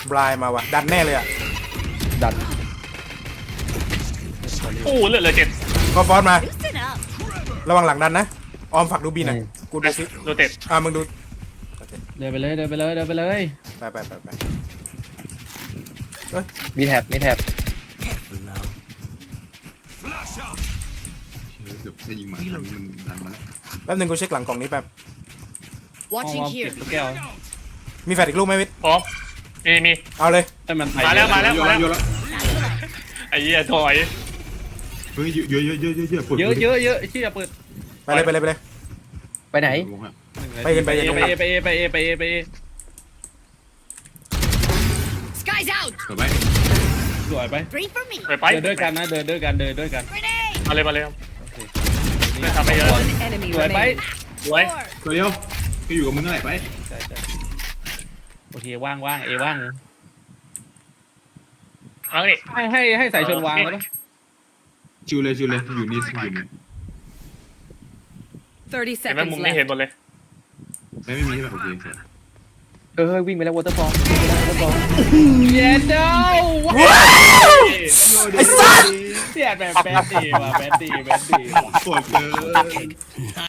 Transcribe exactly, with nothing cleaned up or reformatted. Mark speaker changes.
Speaker 1: บลายมาว่ะดันแน่เลยอ่ะ
Speaker 2: ดัน
Speaker 3: โอ้เหลือเหลือเจ็ด
Speaker 1: ก็ฟอสมา
Speaker 4: Loosen up.
Speaker 1: ระวังหลังดันนะออมฝักดูบีหน่อยกูดูซิ
Speaker 3: โรเต็ด
Speaker 1: อ่ะมึงดู
Speaker 2: เดินไปเลยเดินไปเลยเดินไปเลย
Speaker 1: ไปไปไปไป
Speaker 2: มีแท็บมีแท็บ
Speaker 5: เกือบจะยิงมามันดันมาแล้ว
Speaker 1: แป๊บนึงกูเช็คหลังกล่องนี้แป๊บ
Speaker 2: ห้อง
Speaker 4: Watching
Speaker 2: วอมเก็
Speaker 4: here.
Speaker 2: บลูกแก้ว
Speaker 1: มีแฟลชอีกลูกไหมวิทย์
Speaker 3: พร้อมมีมี
Speaker 1: เอาเลย
Speaker 2: ให้มันไป
Speaker 3: มาแล้วมาแล้ว
Speaker 5: โยนแล้วโยนแล้ว
Speaker 3: ไอ้เหี้ยถอย
Speaker 5: เฮ้ยเยอะเยอะเยอะเยอะเยอะปวด
Speaker 2: เยอะเยอะเยอะเชี่ยเปิด
Speaker 1: ไปเลยไปเลยไปเลย
Speaker 2: ไปไหน
Speaker 5: วงอะ
Speaker 1: ไปกันไป
Speaker 2: ไป
Speaker 1: กัน
Speaker 2: เอไปเอไปเอไปเอไปเอไปเอ
Speaker 4: Sky's out.
Speaker 5: เปิดไป
Speaker 2: สวยไป
Speaker 4: Three for me.
Speaker 3: ไปไป
Speaker 2: เดินด้วยกันนะเดินด้วยกันเดินด้วยกัน
Speaker 4: Grenade.
Speaker 3: มาเลยมาเลยไม่ทำไปเยอะ
Speaker 4: One enemy
Speaker 2: สวยไป
Speaker 4: remaining.
Speaker 3: สวย
Speaker 4: Four.
Speaker 5: ตัวเดียวก็อยู่กับมึงนั่นแหละไป
Speaker 2: ใช่ใช่โอเคว่างว่างเอว่าง
Speaker 3: เอาดิ
Speaker 2: ให้ให้ให้สายชนวางแล้วปะ
Speaker 5: ชิวเลยชิวเลยอยู่นี่อยู่นี่
Speaker 4: Thirty
Speaker 3: เห็นไหม
Speaker 4: seconds
Speaker 3: มุมนี้เห็น
Speaker 4: left.
Speaker 3: หมดเลย
Speaker 5: ไม่ไม่มีใช่ไหมโอเคโอเค
Speaker 2: เออวิ่งไปแล้ววอเตอร์ฟอลวิ่งไปแล้ววอเตอร์ฟอลเย็นเด้อ
Speaker 1: ไอ้สัส
Speaker 2: เสียดแบบแบดดีว่ะแบดดีแบดดี
Speaker 5: ปวดเกิน